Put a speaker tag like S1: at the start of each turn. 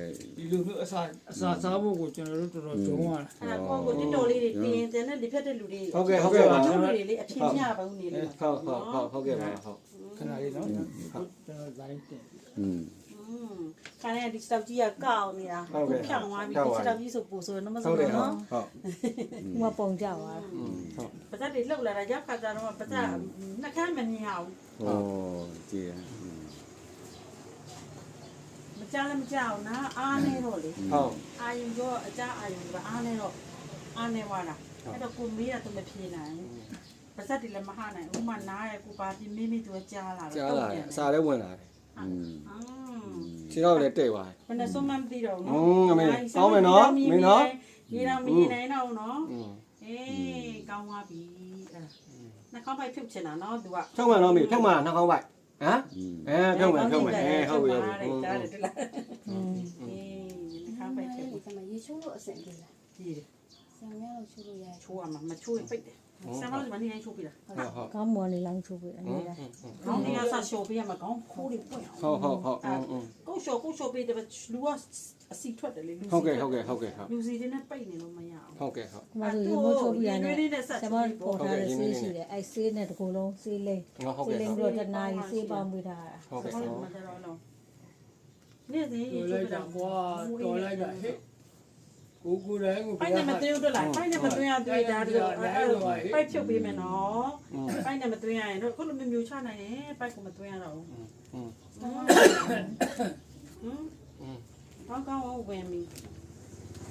S1: ဒီလိုမျိုးအစာစားဖို့ကိုကျွန်တော်တို့တော်တော်ဂျုံးရတာ
S2: အဲ့ဒါကိုတိတော်လေးတွေတင်းတင်းနဲ့ဒီဖက်တဲ့လူတွေ
S3: ဟုတ်ကဲ့ဟုတ်ကဲ့ပါ
S2: တို့တွေလေအချင်းမြပါဦးနေလေ
S3: ဟုတ်ကဲ့ပါဟုတ်
S1: ခဏလေးနော်ကျွန်တော်ဇိုင်းတင်
S2: ခါနဲ့ဒီစတောက်ကြီးကကောက်နေတာဖြောင်းသွားပြီဒီစတောက်ကြီးဆိုပို့ဆိုတော့မဆိုတော့နော်
S4: မပုံကြပါ
S2: ပါဇက်တွေလှုပ်လာတာရောက်ခါကြတော့ပါဇက်နှစ်ခမ်းမမြင်အောင်
S3: ဩကြည့်
S2: မကြားလည်းမကြောက်နာအားနေတော့လေ
S3: ဟုတ်
S2: အာယုံတော့အကြအာယုံကအားနေတော့အားနေသွားတာအဲ့တော့ကိုမေးရတော့မဖြေနိုင်ပါဇက်တွေလည်းမဟနိုင်ဥမာနားရဲ့ကိုပါပြီးမိမိသူကြားလာတယ်
S3: ကြားလာတယ်အစာလည်းဝင်လာတယ်
S2: ခြေ
S3: ခြေတော့လည်းတိတ်သွားတယ်
S2: ဘယ်နဲ့ဆုံးမမသိတော့ဘူး
S3: အမေကောင်းမယ်နော်မင်းနော်
S2: ရေတော်မီးနိုင်တော့နော်အေးကောင်းသွားပြီအဲ့နှာခေါင်းပိုက်ဖြုတ်ချင်တာနော်သူက
S3: ဖြုတ်မှန်တော့မေဖြုတ်မှန်နှာခေါင်းပိုက်ဟမ်ဖြုတ်မှန်ဟုတ်ပြီဟုတ်ပြီ
S2: ကြားတယ်တူလားအေးနှာခေါင်းပိုက်ဖြုတ်
S4: ဒီမှာရေချိုးလို့အဆင်ပြေလား
S2: ကြည့်တယ်
S4: ဆံများလို့ချိုးလို့ရတယ်
S2: ချိုးရမှာမချိုးရင်ပိတ်တယ်ဆမ်မလို့မနေချိုးပြတာ
S3: ဟုတ်
S4: ကောင်းမွန်လေးလောင်းချိုးပေးအနည်းလား
S2: ခေါင်းနေရဆရှိုးပြရမှာခေါင်းခိုးတွေပွင့်အောင်
S3: ဟုတ်
S2: ကိုရှိုးပေးတယ်လူကအစီထွက်တယ်လေလူ
S3: ဟုတ်ကဲ့ဟုတ်
S2: လူစီတွေနဲ့ပိတ်နေလို့မရအောင်
S3: ဟုတ်ကဲ့ဟုတ်
S4: ဒီမှာဆိုရေမိုးချိုးပြရတယ်ဆံမပေါ်ထားတဲ့ဆေးရှိတယ်အဲဆေးနဲ့တကူလုံးဆေးလိမ့်
S3: ဟုတ်
S4: ဆေး
S3: ကဲ့
S4: လိမ့်ပြီးတော့တနားရီဆေးပေါင်းပေးထားတာ
S3: ဟုတ်ကဲ့
S2: ဟုတ်တယ်မကြတော့လုံးနေ့စဉ်
S1: တော်
S2: ချိုး
S1: လိုက်
S2: ပြ
S1: တာ
S2: တာ
S1: ကွာတော်လိုက်တာဟဲ့ကိုတိုင်းကို
S2: ပိုက်နဲ့မသွင်းတော့လိုက်ပိုက်နဲ့မသွင်းရသွင်းတာတို့ပိုက်ဖြုတ်ပေးမယ်နော်ပိုက်နဲ့မသွင်းရရင်တို့ခုလိုမျိုးမျိုးချနိုင်တယ်ပိုက်ကိုမသွင်းရတော့ဘူးကောင်းကောင်းဝင်ပြီ